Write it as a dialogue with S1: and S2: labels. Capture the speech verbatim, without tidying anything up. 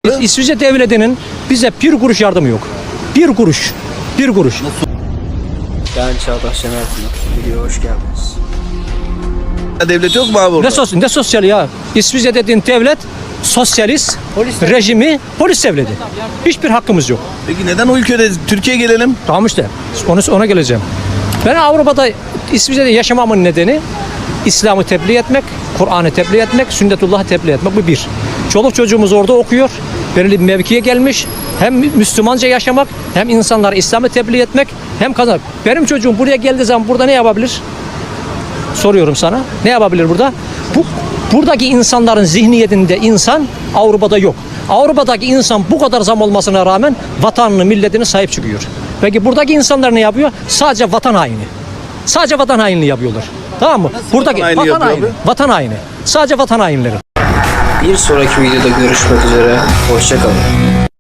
S1: İs- İsviçre devletinin bize bir kuruş yardımı yok. Bir kuruş. Bir kuruş.
S2: Ben Çağdaş Şener Pınar. Videoya hoş geldiniz.
S3: Devlet yok mu abi orada?
S1: Ne, sos ne sosyal ya? İsviçre dediğin devlet sosyalist rejimi polis devleti. Hiçbir hakkımız yok.
S3: Peki neden o ülkede Türkiye'ye gelelim?
S1: Tamam işte. Onu, ona geleceğim. Ben Avrupa'da, İsviçre'de yaşamamın nedeni İslam'ı tebliğ etmek, Kur'an'ı tebliğ etmek, sünnetullah'ı tebliğ etmek. Bu bir. Çoluk çocuğumuz orada okuyor. Belirli bir mevkiye gelmiş. Hem Müslümanca yaşamak, hem insanlara İslam'ı tebliğ etmek, hem kazanmak. Benim çocuğum buraya geldiği zaman burada ne yapabilir? Soruyorum sana. Ne yapabilir burada? Bu buradaki insanların zihniyetinde insan Avrupa'da yok. Avrupa'daki insan bu kadar zam olmasına rağmen vatanını, milletine sahip çıkıyor. Peki buradaki insanlar ne yapıyor? Sadece vatan haini. Sadece vatan hainliği yapıyorlar. Tamam mı? Buradaki
S3: vatan haini
S1: vatan
S3: yapıyor
S1: haini.
S3: abi?
S1: Vatan haini. Sadece vatan hainleri.
S2: Bir sonraki videoda görüşmek üzere. Hoşça kalın.